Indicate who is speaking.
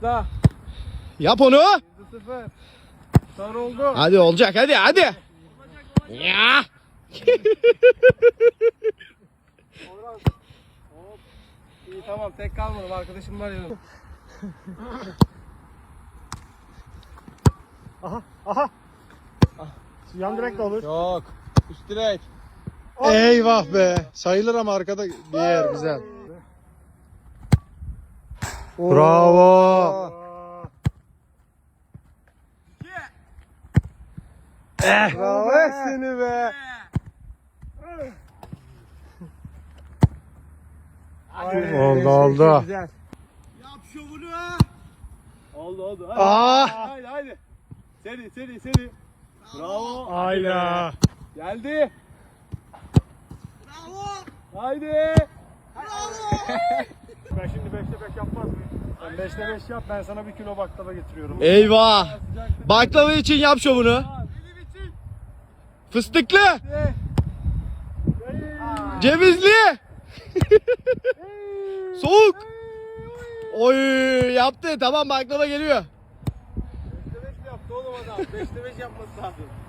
Speaker 1: Başla.
Speaker 2: Yap onu.
Speaker 1: 1-0. Son oldu.
Speaker 2: Hadi olacak, hadi. Ya.
Speaker 1: Orhan. Hop. İyi tamam, tek kalmadım, arkadaşım var yanımda.
Speaker 3: Aha. Yan direkt de olur.
Speaker 1: Yok. Üst direk.
Speaker 3: Eyvah be. Sayılır ama arkada bir yer güzel. Bravo.
Speaker 1: Bravo seni be.
Speaker 3: Oldu.
Speaker 1: Güzel. Yap şovunu. Oldu.
Speaker 3: Aa.
Speaker 1: Haydi. Seri. Bravo.
Speaker 3: Ayla.
Speaker 1: Geldi. Bravo. Haydi.
Speaker 3: Ben şimdi 5'te 5 yapmaz mıyım? Sen 5'te 5 yap, ben sana 1 kilo baklava getiriyorum.
Speaker 2: Eyvah. Baklava için yap şovunu. Fıstıklı. Cevizli. Soğuk. Oy yaptı. Tamam, baklava geliyor.
Speaker 1: 5'te 5 yaptı oğlum adam. 5'te 5 yapması lazım.